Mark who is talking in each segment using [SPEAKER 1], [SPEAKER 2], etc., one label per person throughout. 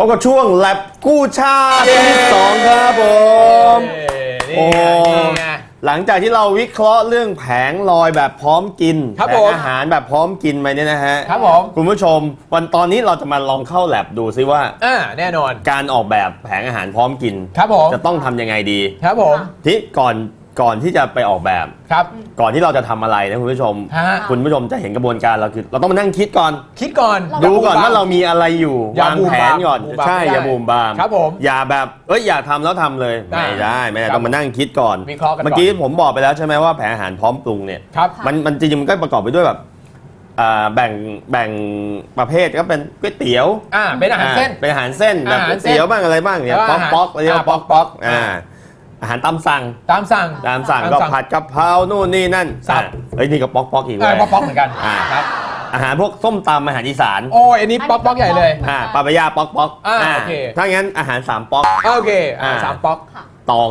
[SPEAKER 1] บกับช่วงแลบกู้ชาติที่2ครับผม
[SPEAKER 2] โอ้
[SPEAKER 1] หลังจากที่เราวิเคราะห์เรื่องแผงลอยแบบพร้อมกินแผงอาหารแบบพร้อมกินไปเนี่ยนะฮะ
[SPEAKER 2] ครับผม
[SPEAKER 1] คุณผู้ชมตอนนี้เราจะมาลองเข้าแลบดูซิว่า
[SPEAKER 2] แน่นอน
[SPEAKER 1] การออกแบบแผงอาหารพร้อมกิน
[SPEAKER 2] ครับผม
[SPEAKER 1] จะต้องทำยังไงดี
[SPEAKER 2] ครับผม
[SPEAKER 1] ที่ก่อนที่จะไปออกแบบ
[SPEAKER 2] ครับ
[SPEAKER 1] ก่อนที่เราจะทำอะไรนะคุณผู้ชมจะเห็นกระบวนการเราคือเราต้องมานั่งคิดก่อนดูก่อนว่าเรามีอะไรอยู่วางแผนก่อนใช่อย่าบูมบาม
[SPEAKER 2] ครับผม
[SPEAKER 1] อย่าแบบอยากทำแล้วทำเลยไม่ได้ต้องมานั่งคิดก่อน
[SPEAKER 2] วิเคราะห์กัน
[SPEAKER 1] เมื่อกี้ผมบอกไปแล้วใช่ไหมว่าแผนอาหารพร้อมปรุงเนี่ยมันจริงๆมันก็ประกอบไปด้วยแบบแบ่งประเภทก็เป็นก๋วยเตี๋ยว
[SPEAKER 2] เป็นอาหารเส้น
[SPEAKER 1] เป็นอาหารเส้นแบบก๋วยเตี๋ยวบ้างอะไรบ้างเนี่ยป๊อกเรียกว่าป๊อกอาหารตามสั่งก็ผัดกะเพราโน่นนี่นั่นนี่ก็ป๊อกอีกเลย
[SPEAKER 2] ป๊อกเหมือนกัน
[SPEAKER 1] ครับอาหารพวกส้มตำอาหารอีสาน
[SPEAKER 2] อันนี้ป๊อกใหญ่เลย
[SPEAKER 1] ปลาปะย่าป๊อก
[SPEAKER 2] โอเค
[SPEAKER 1] ถ้างั้นอาหาร3ป๊อก
[SPEAKER 2] โอเค3ป๊อก
[SPEAKER 1] ตอง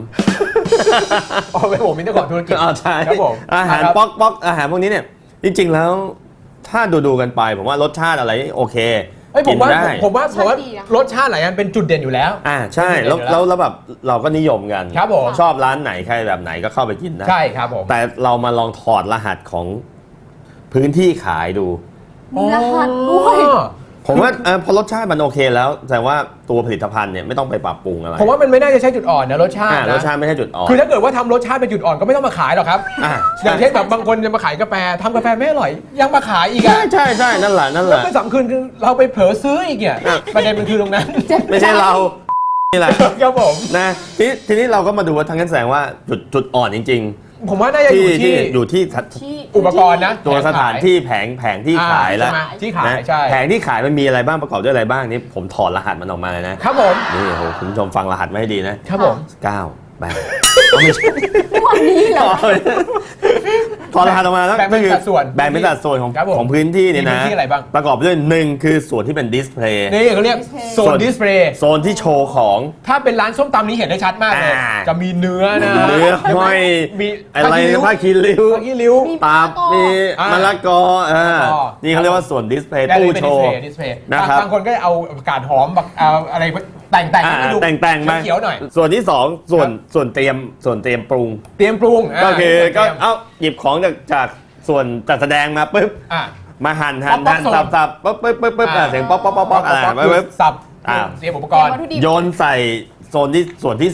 [SPEAKER 2] 3เป็นผมมีเจ้าของธุรกิจ
[SPEAKER 1] ใช่ครับผมอาหารป๊อกอาหารพวกนี้เนี่ยจริงๆแล้วถ้าดูกันไปผมว่ารสชาติอะไรโอเค
[SPEAKER 2] ผมว่ารสชาติหลายอันเป็นจุดเด่นอยู่แล้ว
[SPEAKER 1] ใช่แล้วแบบเราก็นิยมกัน
[SPEAKER 2] ครับผม
[SPEAKER 1] ชอบร้านไหนใครแบบไหนก็เข้าไปกินได้
[SPEAKER 2] ใช่ครับผม
[SPEAKER 1] แต่เรามาลองถอดรหัสของพื้นที่ขายดู
[SPEAKER 3] มีรหัสด้วย
[SPEAKER 1] ผมว่าพอรสชาติมันโอเคแล้วแต่ว่าตัวผลิตภัณฑ์เนี่ยไม่ต้องไปปรับปรุงอะไร
[SPEAKER 2] ผมว่ามันไม่น่าจะใช่จุดอ่อนนะรสชาติ
[SPEAKER 1] รสชาติไม่ใช่จุดอ่อน
[SPEAKER 2] คือถ้าเกิดว่าทำรสชาติเป็นจุดอ่อนก็ไม่ต้องมาขายหรอกครับอย่างเช่นแบบบางคนจะมาขายกาแฟทำกาแฟไม่อร่อยยังมาขายอีก
[SPEAKER 1] ใช่นั่นแหละ
[SPEAKER 2] แล้วไม่สำคัญคือเราไปเผลอซื้ออีกเนี่ยประเด็นมันคือตรงนั้น
[SPEAKER 1] ไม่ใช่เรานี่แหละ
[SPEAKER 2] ครับผม
[SPEAKER 1] นะทีนี้เราก็มาดูว่าทางนั้นแสดงว่าจุดอ่อนจริงๆ
[SPEAKER 2] ผมว่าน่าจะ
[SPEAKER 1] อยู่ที่
[SPEAKER 2] อุปกรณ์นะ
[SPEAKER 1] ตัวสถานที่แผงที่ขายแล้ว
[SPEAKER 2] ที่ขายใช่
[SPEAKER 1] แผงที่ขายมันมีอะไรบ้างประกอบด้วยอะไรบ้างนี่ผมถอดรหัสมันออกมาเลยนะครับ
[SPEAKER 2] ผม
[SPEAKER 1] นี่โหคุณผู้ชมฟังรหัสไม่ให้ดีนะครับ
[SPEAKER 2] ผม
[SPEAKER 1] 9 8ไม่ใช่
[SPEAKER 3] วันนี้เหรอ
[SPEAKER 1] ถอดรหัสออกมาแล้ว
[SPEAKER 2] แบ่งเป็นสัด
[SPEAKER 1] ส่วนของพื้นที่เนี่ยนะประกอบด้วย1คือส่วนที่เป็นดิสเพลย์
[SPEAKER 2] นี่เขาเรียกโซนดิสเพลย์
[SPEAKER 1] โซนที่โชว์ของ
[SPEAKER 2] ถ้าเป็นร้านส้มตำนี้เห็นได้ชัดมากเลยจะมีเนื้อนะ
[SPEAKER 1] เนื้อห้อยอะไรผ้าคีริ้วตับมีมะละกอนี่เขาเรียกว่าส่วนดิสเพลย์ตู้โชว์
[SPEAKER 2] นะครับบางคนก็เอากาดหอมอะไรแต่งมาเขียวหน่อย
[SPEAKER 1] ส่วนที่2ส่วนเตรียมปรุงก็คือก็เอาหยิบของจากส่วนจัดแสดงมาปุ๊บมาหั่นสับปุ๊บเสียงป๊อกอะไร
[SPEAKER 2] สับเตรียมอุปกรณ์
[SPEAKER 1] โยนใส่ส่วนที่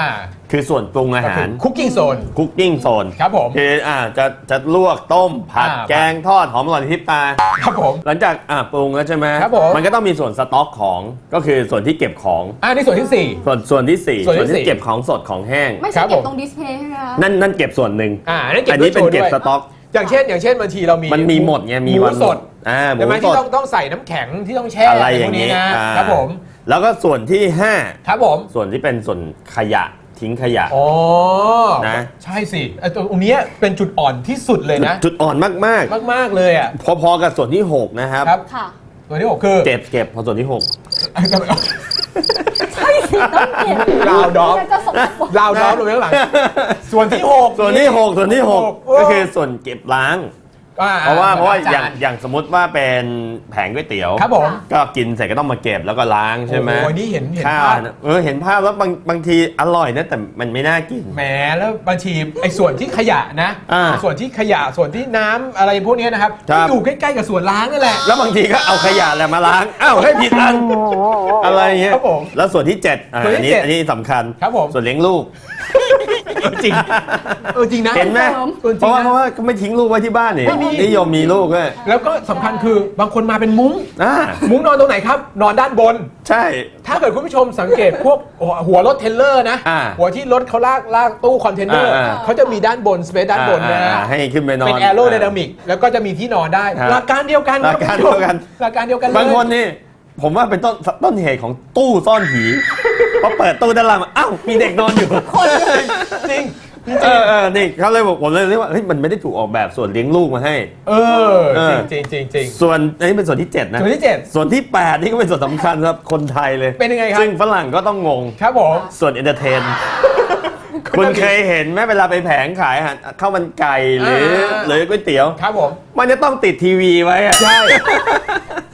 [SPEAKER 1] 3คือส่วนปรุงอาหาร
[SPEAKER 2] คุกกิ้งโซน
[SPEAKER 1] ครับผมคือจะลวกต้มผัดแกงทอดหอมอร่อยทิพตา
[SPEAKER 2] ครับผม
[SPEAKER 1] หลังจากปรุงแล้วใช่ไหม
[SPEAKER 2] ครับผม
[SPEAKER 1] มันก็ต้องมีส่วนสต็อกของก็คือส่วนที่เก็บของ
[SPEAKER 2] นี่ส่วนที่
[SPEAKER 1] 4ส่วนที่เก็บของสดของแห้ง
[SPEAKER 3] ไม่ใช่เก็บตรงดิสเพลย์ใช่ไหมคะ
[SPEAKER 1] นั่นเก็บส่วนหนึ่ง
[SPEAKER 2] อั
[SPEAKER 1] นนี้เป็นเก็บสต็อก
[SPEAKER 2] อย่างเช่นบางทีเรามี
[SPEAKER 1] มันมีหมดไงมีวัน
[SPEAKER 2] สด
[SPEAKER 1] หมู
[SPEAKER 2] สดที่ต้องใส่น้ำแข็งที่ต้องแช่
[SPEAKER 1] อะไรอย่างนี้
[SPEAKER 2] นะครับผม
[SPEAKER 1] แล้วก็ส่วนที่5
[SPEAKER 2] ครับผม
[SPEAKER 1] ส่วนที่เป็นส่วนขยะทิ้งขยะ
[SPEAKER 2] นะใช่สิตรงนี้เป็นจุดอ่อนที่สุดเลยนะ
[SPEAKER 1] จุดอ่อนมาก
[SPEAKER 2] เลย
[SPEAKER 1] พอกับส่วนที่6นะครับ
[SPEAKER 3] ค่ะ
[SPEAKER 1] ส่วนที่6คือเก็บพอส่วนที่6
[SPEAKER 3] ใช่สิต้องเก็บ
[SPEAKER 2] ลาวดอฟลงไปข้างหลังส่วนที่6
[SPEAKER 1] ก็คือส่วนเก็บล้างเพราะว่าอย่างสมมติว่าเป็นแผงก๋วยเตี๋ยว
[SPEAKER 2] ครับผม
[SPEAKER 1] ก็กินเสร็จก็ต้องมาเก็บแล้วก็ล้างใช่ไหม
[SPEAKER 2] นี่เห็นภาพ
[SPEAKER 1] เห็นภาพแล้วบางทีอร่อยนะแต่มันไม่น่ากิน
[SPEAKER 2] แหมแล้วบางทีไอ้ส่วนที่ขยะนะส่วนที่ขยะส่วนที่น้ำอะไรพวกนี้นะครับอยู่ใกล้ๆกับส่วนล้างนั่นแหละ
[SPEAKER 1] แล้วบางทีก็เอาขยะแหละมาล้างให้ผิดอันอะไรเงี้ยแล้วส่วนที่7อันนี้สำคัญ
[SPEAKER 2] ครับผม
[SPEAKER 1] ส่วนเลี้ยงลูก
[SPEAKER 2] จริงนะ
[SPEAKER 1] เห็นไหมเพราะว่าก็ไม่ทิ้งลูกไว้ที่บ้านนี่นิยมมีลูกด้วย
[SPEAKER 2] แล้วก็สำคัญคือบางคนมาเป็นมุ้งนอนตรงไหนครับนอนด้านบน
[SPEAKER 1] ใช่
[SPEAKER 2] ถ้าเกิดคุณผู้ชมสังเกตพวกหัวรถเทรลเลอร์นะหัวที่รถเขาลากตู้คอนเทนเนอร์เขาจะมีด้านบนสเปซด้านบนนะ
[SPEAKER 1] ให้ขึ้นไปนอน
[SPEAKER 2] เป็นแอโรไดนามิกแล้วก็จะมีที่นอนได้หลักการเดียวกัน
[SPEAKER 1] บางคนนี่ผมว่าเป็นต้นเหตุของตู้ซ่อนผีพอเปิดตู้ด้านล่างมีเด็กนอนอยู่
[SPEAKER 2] จริง
[SPEAKER 1] นี่เขาเลยบอกผมเลยเรียกว่ามันไม่ได้ถูกออกแบบส่วนเลี้ยงลูกมาให้
[SPEAKER 2] จริง
[SPEAKER 1] ส่วนอันนี้เป็นส่วนที่7นะส่วนที่8นี่ก็เป็นส่วนสำคัญครับคนไทยเลย
[SPEAKER 2] เป็นยังไงครับ
[SPEAKER 1] ซึ่งฝรั่งก็ต้องงง
[SPEAKER 2] ครับผม
[SPEAKER 1] ส่วนเอนเตอร์เทนคุณเคยเห็นไหมเวลาไปแผงขายข้าวมันไก่หรือก๋วยเตี๋ยว
[SPEAKER 2] ครับผม
[SPEAKER 1] มันจะต้องติดทีวีไว้
[SPEAKER 2] ใช่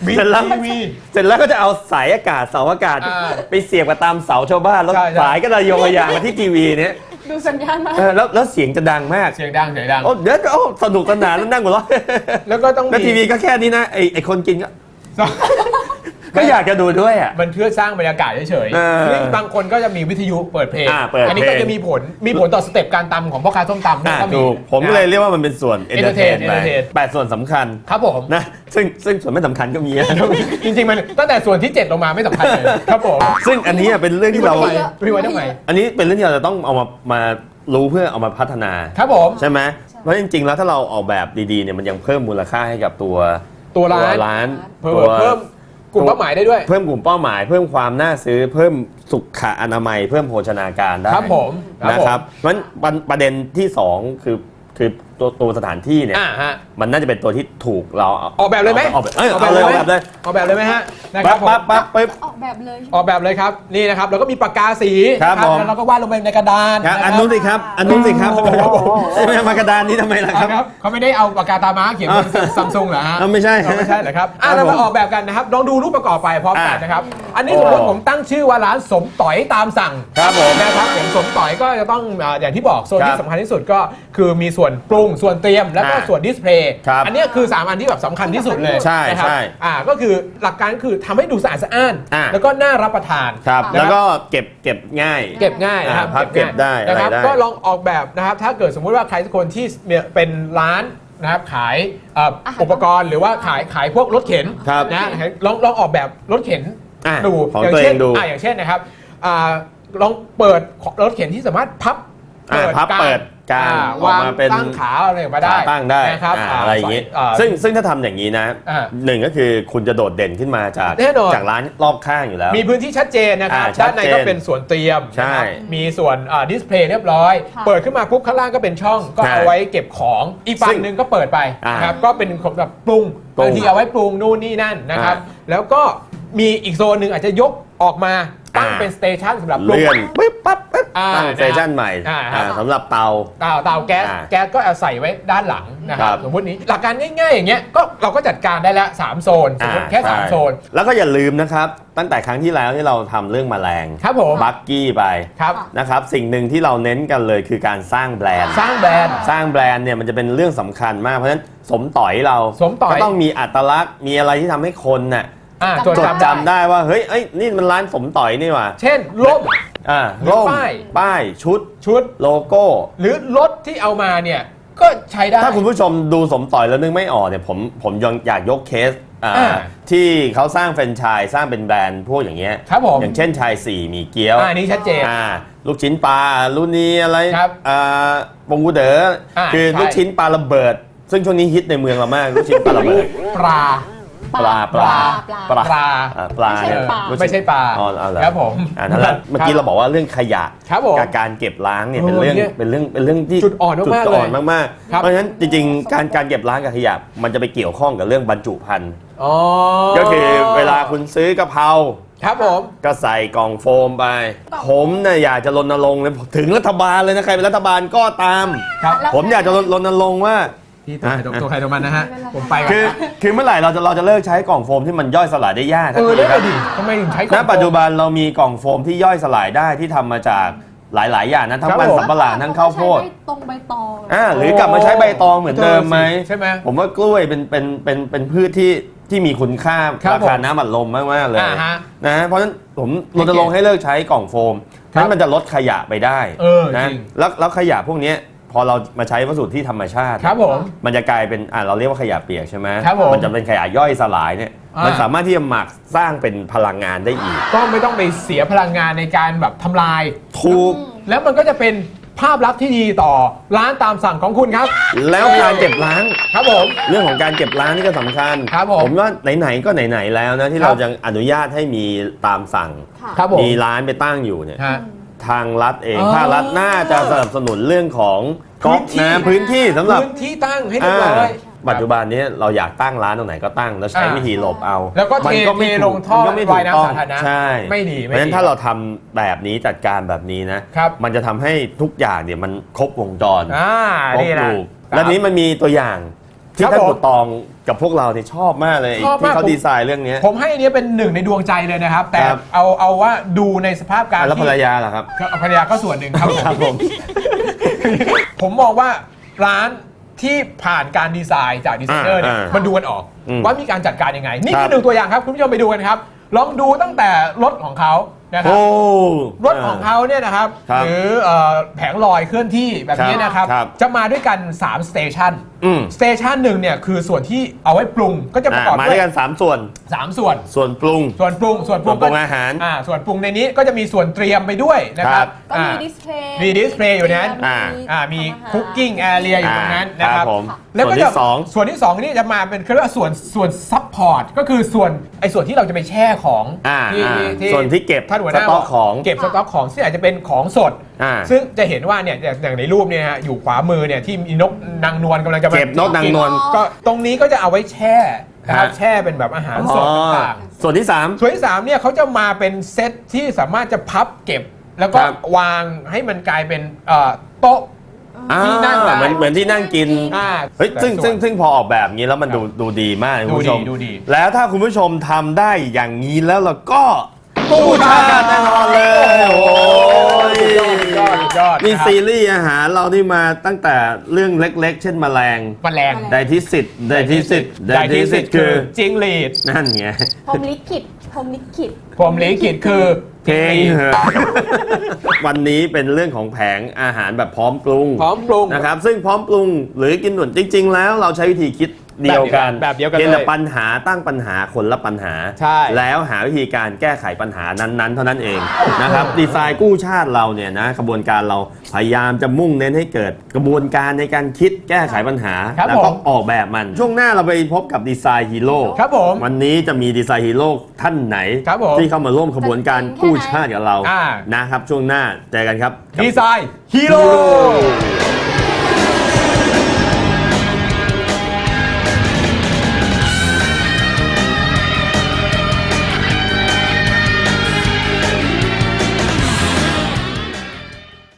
[SPEAKER 2] บิ๊ก
[SPEAKER 1] เสร็จแล้ว
[SPEAKER 2] ทีวี
[SPEAKER 1] เสร็จแล้วก็จะเอาสายอากาศเสาอากาศ ไปเสียบกับตามเสาชาวบ้านแล้ว
[SPEAKER 2] ใช่ใช่
[SPEAKER 1] สายก็ระโยงระยางมาที่ทีวีเนี่ย
[SPEAKER 3] ดูสัญญาณมา
[SPEAKER 1] แล้วเสียงจะดังมาก
[SPEAKER 2] เสียงดัง
[SPEAKER 1] โอ้เดี๋ยวก็สนุกสนานแล้วนั่งหัวเราะ
[SPEAKER 2] แล้วก็ต้อง
[SPEAKER 1] แล้วทีวีก็แค่นี้นะไอคนกินก็อยากจะดูด้วยอ่ะ
[SPEAKER 2] มันเพื่อสร้างบรรยากาศเฉยๆนี่บางคนก็จะมีวิทยุเปิดเพลง
[SPEAKER 1] เปิดเพลง
[SPEAKER 2] อันนี้ก็จะมีผลต่อสเต็ปการตำของพ่อค้าส้มตำด้วยก็มี
[SPEAKER 1] ถูกผมก็เลยเรียกว่ามันเป็นส่วนเอนเตอร์เทน
[SPEAKER 2] entertain
[SPEAKER 1] ไป8ส่วนสำคัญ
[SPEAKER 2] ครับผม
[SPEAKER 1] นะซึ่งส่วนไม่สำคัญก็มีนะ
[SPEAKER 2] จริงๆมันตั้งแต่ส่วนที่ 7 ลงมาไม่สำคัญเลยครับผม
[SPEAKER 1] ซึ่งอันนี้เป็นเรื่องที่เรา
[SPEAKER 2] พี่ไว้ทำไม
[SPEAKER 1] อันนี้เป็นเรื่องที่เราจะต้องเอามารู้เพื่อเอามาพัฒนา
[SPEAKER 2] ครับผม
[SPEAKER 1] ใช่ไหมเพราะจริงๆแล้วถ้าเราออกแบบดีๆเนี่ยมันยังเพิ่มมูลค่าให้กับตัวร้าน
[SPEAKER 2] เพิ่มกลุ่มเป้าหมายได้ด้วย
[SPEAKER 1] เพิ่มกลุ่มเป้าหมาย เพิ่มความน่าซื้อเพิ่มสุขอนามัย เพิ่มโภชนาการได้
[SPEAKER 2] ครับผม
[SPEAKER 1] นะครับเพราะฉะนั้นประเด็นที่2คือตัวสถานที่เนี่ย
[SPEAKER 2] ฮะ
[SPEAKER 1] มันน่าจะเป็นตัวที่ถูกเรา
[SPEAKER 2] ออกแบบเลยไหม
[SPEAKER 1] ออกแบบเลย
[SPEAKER 2] ออกแบบเลยไหมฮะนะครับผม
[SPEAKER 1] ปั๊บ
[SPEAKER 3] ออกแบบเลย
[SPEAKER 2] ออกแบบเลยครับนี่นะครับแล้วก็มีปากกาสี
[SPEAKER 1] ครับ
[SPEAKER 2] นะ
[SPEAKER 1] ผม
[SPEAKER 2] แล้วเราก็วาดลงไปในกระดาน
[SPEAKER 1] ครับ
[SPEAKER 2] ะ
[SPEAKER 1] อันนู้นสิครับไม่มากระดานนี้ทำไมล่ะครับ
[SPEAKER 2] ครับเขาไม่ได้เอาปากกาตาม้าเขียนบนซัมซุงเหรอฮะ
[SPEAKER 1] ไม่ใช่
[SPEAKER 2] ไม่ใช่เหรอครับเรามาออกแบบกันนะครับลองดูรูปประกอบไปพร้อมกันนะครับอันนี้สมมติผมตั้งชื่อว่าร้านสมต่อยตามสั่ง
[SPEAKER 1] ครับผม
[SPEAKER 2] นะครับอย่างสมต่อยก็จะต้องอย่างที่บอกโซนที่สำคัญที่สุดก็คือมีส่วนปรุงส่วนเตรียมแล้วก็ส่วนดิสเพลย์
[SPEAKER 1] ครับ
[SPEAKER 2] อันนี้คือ3อันที่แบบสำคัญที่สุดเลย
[SPEAKER 1] ใช่
[SPEAKER 2] นะครับ
[SPEAKER 1] ใช่
[SPEAKER 2] ก็คือหลักการคือทำให้ดูสะอาดสะอ้าน แล้วก็น่ารับประทาน
[SPEAKER 1] ครับ
[SPEAKER 2] นะครับ
[SPEAKER 1] แล้วก็เก็บง่าย
[SPEAKER 2] เก็บง่ายนะครับ
[SPEAKER 1] พับเก็บได้
[SPEAKER 2] นะครับ
[SPEAKER 1] อะไรได้
[SPEAKER 2] ก็ลองออกแบบนะครับถ้าเกิดสมมุติว่าใครสักคนที่เป็นร้านนะครับขายอุปกรณ์หรือว่าขายพวกรถเข็น
[SPEAKER 1] ครับ
[SPEAKER 2] นะลองออกแบบรถเข็น ดู
[SPEAKER 1] ของตัวเองดู
[SPEAKER 2] อย่างเช่นนะครับลองเปิดรถเข็นที่สามารถพับ
[SPEAKER 1] พับเปิดกลางออก
[SPEAKER 2] วาง
[SPEAKER 1] มาเป็น
[SPEAKER 2] ตั้งขาอะไรมาได้
[SPEAKER 1] ตั้งได้
[SPEAKER 2] นะครับ
[SPEAKER 1] อะไรอย่างนี้
[SPEAKER 2] ใส่
[SPEAKER 1] ซึ่งถ้าทำอย่างนี้นะ หนึ่งก็คือคุณจะโดดเด่นขึ้นมาจาก
[SPEAKER 2] แน่นอน
[SPEAKER 1] จากร้านรอบข้างอยู่แล้ว
[SPEAKER 2] มีพื้นที่ชัดเจนนะครับ
[SPEAKER 1] ชั
[SPEAKER 2] ด้า
[SPEAKER 1] ด
[SPEAKER 2] นใน
[SPEAKER 1] เจน
[SPEAKER 2] ก็เป็นส่วนเตรียม
[SPEAKER 1] ใช่
[SPEAKER 2] นะครับมีส่วนดิสเพลย์เรียบร้อย
[SPEAKER 3] ค่ะ
[SPEAKER 2] เปิดขึ้นมาปุ๊บข้างล่างก็เป็นช่องก็
[SPEAKER 1] ใช่
[SPEAKER 2] เอาไว้เก็บของอีกฝั่
[SPEAKER 1] ซึ่
[SPEAKER 2] ง
[SPEAKER 1] ง
[SPEAKER 2] หนึ่งก็เปิดไปนะครับก็เป็นแบบปรุง
[SPEAKER 1] ปรุง
[SPEAKER 2] บางทีเอาไว้ปรุงนู่นนี่นั่นนะครับแล้วก็มีอีกโซนหนึ่งอาจจะยกออกมาตั้งเป็นสเตชันสำหรับปรุง
[SPEAKER 1] เลื่อนปึ๊บปั๊บปึ๊บ ตั้ง
[SPEAKER 2] นะครับ
[SPEAKER 1] สเตชันใหม่
[SPEAKER 2] ครับ
[SPEAKER 1] สำหรับเตา
[SPEAKER 2] เตาแก๊ส
[SPEAKER 1] อ่า
[SPEAKER 2] แก๊สก็เอาใส่ไว้ด้านหลังนะค
[SPEAKER 1] ค
[SPEAKER 2] รั
[SPEAKER 1] รั
[SPEAKER 2] บบ สมมตินี้หลักการง่ายๆอย่างเงี้ยก็เราก็จัดการได้แล้ว3โซนสมมติแค่
[SPEAKER 1] ใช่
[SPEAKER 2] 3โซน
[SPEAKER 1] แล้วก็อย่าลืมนะครับ ตั้งแต่ครั้งที่แล้วที่เราทำเรื่องแมลง
[SPEAKER 2] ครับผม
[SPEAKER 1] บักกี้ไป
[SPEAKER 2] ครับ
[SPEAKER 1] นะครับสิ่งหนึ่งที่เราเน้นกันเลยคือการสร้างแบรนด์
[SPEAKER 2] สร้างแบรนด์
[SPEAKER 1] สร้างแบรนด์เนี่ยมันจะเป็นเรื่องสำคัญมากเพราะฉะนั้นสมต่อยเรา
[SPEAKER 2] สมต่อย
[SPEAKER 1] ก็ต้องมีอัตลักษณ์มีอะไรที่ทำให้คนน่ะ
[SPEAKER 2] จด
[SPEAKER 1] จด
[SPEAKER 2] จำ
[SPEAKER 1] จำได้ว่าเฮ้ยนี่มันร้านสมต่อยนี่หว่า
[SPEAKER 2] เช่นร่ม หรือ
[SPEAKER 1] ร่ม
[SPEAKER 2] ป้าย
[SPEAKER 1] ชุดโลโก้
[SPEAKER 2] หรือรถที่เอามาเนี่ยก็ใช้ได้
[SPEAKER 1] ถ้าคุณผู้ชมดูสมต่อยแล้วนึกไม่ออกเนี่ยผมยังอยากยกเคสที่เขาสร้างแฟรนไชส์สร้างเป็นแบรนด์พวกอย่างเงี้ย
[SPEAKER 2] ครับผม
[SPEAKER 1] อย่างเช่นชายสี่หมีเกี๊ยว
[SPEAKER 2] อันนี้ชัดเจน
[SPEAKER 1] ลูกชิ้นปลารุ่นนี้อะไร
[SPEAKER 2] ครับ
[SPEAKER 1] ปงกูเด๋อคือ
[SPEAKER 2] ใช่
[SPEAKER 1] ลูกชิ้นปลาระเบิด ซึ่งช่วงนี้ฮิตในเมืองเรามากลูกชิ้นปลาระเบิด
[SPEAKER 2] ปลา
[SPEAKER 1] ปลา
[SPEAKER 2] ปลา
[SPEAKER 3] ไม่ใช่ปลา
[SPEAKER 2] ไม่ใช่ปลา
[SPEAKER 1] อ๋อเอาเหรอ
[SPEAKER 2] ครับผม
[SPEAKER 1] นั่นแหละเมื่อกี้เราบอกว่าเรื่องขยะ
[SPEAKER 2] ครับผม
[SPEAKER 1] กับการเก็บล้างเนี่ยเป็นเรื่อง
[SPEAKER 2] เนี่ย
[SPEAKER 1] เป็นเรื่องที่
[SPEAKER 2] จุดอ่อนมากๆ
[SPEAKER 1] จุดอ่อน
[SPEAKER 2] เลย
[SPEAKER 1] มาก
[SPEAKER 2] ครับ
[SPEAKER 1] ๆเพราะฉะนั้นจริงๆการเก็บล้างกับขยะมันจะไปเกี่ยวข้องกับเรื่องบรรจุภัณฑ์
[SPEAKER 2] อ๋อ
[SPEAKER 1] ก็คือเวลาคุณซื้อกะเพรา
[SPEAKER 2] ครับผม
[SPEAKER 1] ก็ใส่กล่องโฟมไป ผมเนี่ยอยากจะรณรงค์เลยถึงรัฐบาลเลยนะใครเป็นรัฐบาลก็ตาม
[SPEAKER 2] ครับ
[SPEAKER 1] ผมอยากจะรณรงค์ว่า
[SPEAKER 2] พี่ตัวใครตัวมันนะฮะผมไปก่น
[SPEAKER 1] คือเมื่อไหร่เราจะเลิกใช้กล่องโฟมที่มันย่อยสลายได้ยาก
[SPEAKER 2] เออ
[SPEAKER 1] สักที
[SPEAKER 2] ได้
[SPEAKER 1] ครับ
[SPEAKER 2] ดิทำไมถึงใช้
[SPEAKER 1] ณปัจจุบันเรามีกล่องโฟมที่ย่อยสลายได้ที่ทำมาจากหลายๆอย่างนะทั้งมันสำปะหลังทั้งข้าวโพด
[SPEAKER 3] ใช้ตรงใบตอง
[SPEAKER 1] หรือกลับมาใช้ใบตองเหมือนเดิมไหม
[SPEAKER 2] ใช่ไหม
[SPEAKER 1] ผมว่ากล้วยเป็นพืชที่มีคุณค่า
[SPEAKER 2] ครับ
[SPEAKER 1] ราคาน้ำอัดลมมากๆเลย
[SPEAKER 2] ฮะ
[SPEAKER 1] นะเพราะฉะนั้นผมรณรงค์ให้เลิกใช้กล่องโฟม
[SPEAKER 2] ครับ
[SPEAKER 1] นั้นมันจะลดขยะไปได้
[SPEAKER 2] จ
[SPEAKER 1] นะ
[SPEAKER 2] ริง
[SPEAKER 1] แล้วขยะพวกเนี้ยพอเรามาใช้วัสดุที่ธรรมชาติ
[SPEAKER 2] ครับผม
[SPEAKER 1] มันจะกลายเป็นเราเรียกว่าขยะเปียกใช่ไหม
[SPEAKER 2] ครับผม
[SPEAKER 1] มันจะเป็นขยะย่อยสลายเนี่ย
[SPEAKER 2] อ่ามั
[SPEAKER 1] มันสามารถที่จะหมักสร้างเป็นพลังงานได้อีก
[SPEAKER 2] ก็ไม่ต้องไปเสียพลังงานในการแบบทำลาย
[SPEAKER 1] ถูก
[SPEAKER 2] แล้วมันก็จะเป็นภาพลักษณ์ที่ดีต่อร้านตามสั่งของคุณครับ
[SPEAKER 1] แล้วการเก็บล้าง
[SPEAKER 2] ครับผม
[SPEAKER 1] เรื่องของการเก็บล้างนี่ก็สำคัญ
[SPEAKER 2] ครับผม
[SPEAKER 1] ว่าไหนๆก็ไหนๆแล้วนะที่
[SPEAKER 2] ครับ
[SPEAKER 1] เราจะอนุญาตให้มีตามสั่ง
[SPEAKER 3] ค่ะ
[SPEAKER 2] ครับผม
[SPEAKER 1] มีร้านไปตั้งอยู่เนี่ย
[SPEAKER 2] ฮะ
[SPEAKER 1] ทางรัฐเอง
[SPEAKER 2] อ๋อ
[SPEAKER 1] ภาครัฐน่าจะสนับสนุนเรื่องของก๊อกน้ำพื้นที่สำหรับ
[SPEAKER 2] พื้นที่ตั้งให้เรียบร้อย
[SPEAKER 1] ปัจจุบันนี้เราอยากตั้งร้านตรงไหนก็ตั้งแล้วใช้วิธีหลบเอา
[SPEAKER 2] แล้วก็เท
[SPEAKER 1] มันไม่
[SPEAKER 2] ลงท่อ
[SPEAKER 1] มันก็ไม่ถู
[SPEAKER 2] วาย
[SPEAKER 1] กต้อง
[SPEAKER 2] น้ำสาธารณะ
[SPEAKER 1] ใช่
[SPEAKER 2] ไม่ดี
[SPEAKER 1] เพราะฉะนั้นถ้าเราทำแบบนี้จัดการแบบนี้นะครับ มันจะทำให้ทุกอย่างเนี่ยมันครบวงจร
[SPEAKER 2] อ่า
[SPEAKER 1] ครบ
[SPEAKER 2] นี่แหละ
[SPEAKER 1] ลูกแล้วนี้มันมีตัวอย่างที่
[SPEAKER 2] ครับ
[SPEAKER 1] ท่าน
[SPEAKER 2] ผม
[SPEAKER 1] บุตรตองกับพวกเราเนี่ยชอบมากเลย
[SPEAKER 2] ชอบ
[SPEAKER 1] ที่
[SPEAKER 2] มาก
[SPEAKER 1] เขาดีไซน์เรื่องนี้
[SPEAKER 2] ผมให้อันนี้เป็นหนึ่งในดวงใจเลยนะครับ แต่
[SPEAKER 1] ครับ
[SPEAKER 2] เอาว่าดูในสภาพการ
[SPEAKER 1] แล้วภรร
[SPEAKER 2] ที่
[SPEAKER 1] ยาล่ะครับ
[SPEAKER 2] ก็ภรรยาก็ส่วนหนึ่งครับ
[SPEAKER 1] ครับผม
[SPEAKER 2] ผมมองว่าร้านที่ผ่านการดีไซน์จากดีไซเนอร์เนี่ยมันดูกันออก ว่ามีการจัดการยังไง นี่คือหนึ่งตัวอย่างครับ คุณผู้ชมไปดูกันครับ ลองดูตั้งแต่รถของเขานะครับ
[SPEAKER 1] โอ้
[SPEAKER 2] รถของเขาเนี่ยนะครับ
[SPEAKER 1] ครับ
[SPEAKER 2] หรือแผงลอยเคลื่อนที่แบบนี้นะครับ
[SPEAKER 1] ครับ
[SPEAKER 2] จะมาด้วยกัน3สเตชัน
[SPEAKER 1] อืม
[SPEAKER 2] สเตชันหนึ่งเนี่ยคือส่วนที่เอาไว้ปรุงก็จะประกอบ
[SPEAKER 1] มา
[SPEAKER 2] ด้
[SPEAKER 1] ด้
[SPEAKER 2] ว
[SPEAKER 1] วย ยกัน3ส่วน
[SPEAKER 2] 3 ส่วน
[SPEAKER 1] ส่วนปรุง
[SPEAKER 2] ส่วนปรุง
[SPEAKER 1] ส่วนปรุงอาหาร
[SPEAKER 2] ส่วนปรุงในนี้ก็จะมีส่วนเตรียมไปด้วยนะครับ
[SPEAKER 3] ก็มีดิสเพลย์
[SPEAKER 2] มีดิสเพลย์อยู่นั้น มีคุกกิ้งแอเรียอยู่ตรงนั้นนะครับ
[SPEAKER 1] ผม
[SPEAKER 2] แล้วก็
[SPEAKER 1] ส่วนที่
[SPEAKER 2] จะ
[SPEAKER 1] สอง
[SPEAKER 2] ส่วนที่2นี่จะมาเป็นเรียกว่าส่วนซัพพอร์ตก็คือส่วนที่เราจะไปแช่ของที่
[SPEAKER 1] ส่วนที่เก็บ
[SPEAKER 2] ท่านหัวห
[SPEAKER 1] ส
[SPEAKER 2] น้า
[SPEAKER 1] ต็อกของ
[SPEAKER 2] เก็บสต็อกของซึ่งอาจจะเป็นของสด ซึ่งจะเห็นว่าเนี่ยอย่างในรูปเนี่ยฮะอยู่ขวามือเนี่ยที่มีนกนางนวลกำลังจะมา
[SPEAKER 1] เก็บนกนางนวล
[SPEAKER 2] ก็ตรงนี้ก็จะเอาไว้แช่นะครับ
[SPEAKER 1] ฮะ
[SPEAKER 2] แช่เป็นแบบอาหารสดต่างๆ
[SPEAKER 1] ส่วนที่
[SPEAKER 2] ส่วนที่3เนี่ยเขาจะมาเป็นเซตที่สามารถจะพับเก็บ แล้วก็
[SPEAKER 1] ครับ
[SPEAKER 2] วางให้มันกลายเป็นโต๊ะ
[SPEAKER 1] 3
[SPEAKER 2] ที่นั่งได้
[SPEAKER 1] เหมือนที่นั่งกิน เฮ้ยซึ่งพอออกแบบนี้แล้วมันดูดีมากคุณผู้ชม
[SPEAKER 2] ดูดี
[SPEAKER 1] แล้วถ้าคุณผู้ชมทำได้อย่างนี้แล้วเราก็กู้ชาติแน่นอนเลย โอ้ย
[SPEAKER 2] ยอด
[SPEAKER 1] นี่
[SPEAKER 2] นะครับ
[SPEAKER 1] ซีรีส์อาหารเรานี่มาตั้งแต่เรื่องเล็กๆ เช่นแมลง
[SPEAKER 2] แมลง
[SPEAKER 1] ไดทิสิตไดทิสิตไดทิสิตคือ
[SPEAKER 2] จิงหรีด
[SPEAKER 1] นั่นไง
[SPEAKER 3] พรหมลิขิตพรหมลิขิต
[SPEAKER 2] ผมลิขิตคือ
[SPEAKER 1] เพลงเหอะ วันนี้เป็นเรื่องของแผงอาหารแบบพร้อมปรุง
[SPEAKER 2] พร้อมปรุง
[SPEAKER 1] นะครับซึ่งพร้อมปรุงหรือกินด่วนจริง ๆ แล้วเราใช้วิธีคิดเดียวกัน
[SPEAKER 2] แบบเดียวกัน
[SPEAKER 1] เพียงแต่
[SPEAKER 2] เลย
[SPEAKER 1] ปัญหาตั้งปัญหาคนละปัญหา
[SPEAKER 2] ใช่
[SPEAKER 1] แล้วหาวิธีการแก้ไขปัญหานั้นๆ เท่านั้นเองนะครับดีไซน์กู้ชาติเราเนี่ยนะกระบวนการเราพยายามจะมุ่งเน้นให้เกิดกระบวนการในการคิดแก้ไขปัญหา
[SPEAKER 2] ครับ
[SPEAKER 1] แล้วก็
[SPEAKER 2] ผม
[SPEAKER 1] ออกแบบมัน ช่วงหน้าเราไปพบกับดีไซน์ฮีโร่
[SPEAKER 2] ครับผม
[SPEAKER 1] วันนี้จะมีดีไซน์ฮีโร่ท่านไหน
[SPEAKER 2] ครับผม
[SPEAKER 1] ที่เข้ามาร่วมขบวนการกู้ชาติกับเรา
[SPEAKER 2] อ่า
[SPEAKER 1] นะครับช่วงหน้าเจอกันครับ
[SPEAKER 2] ดีไซน์ฮีโร่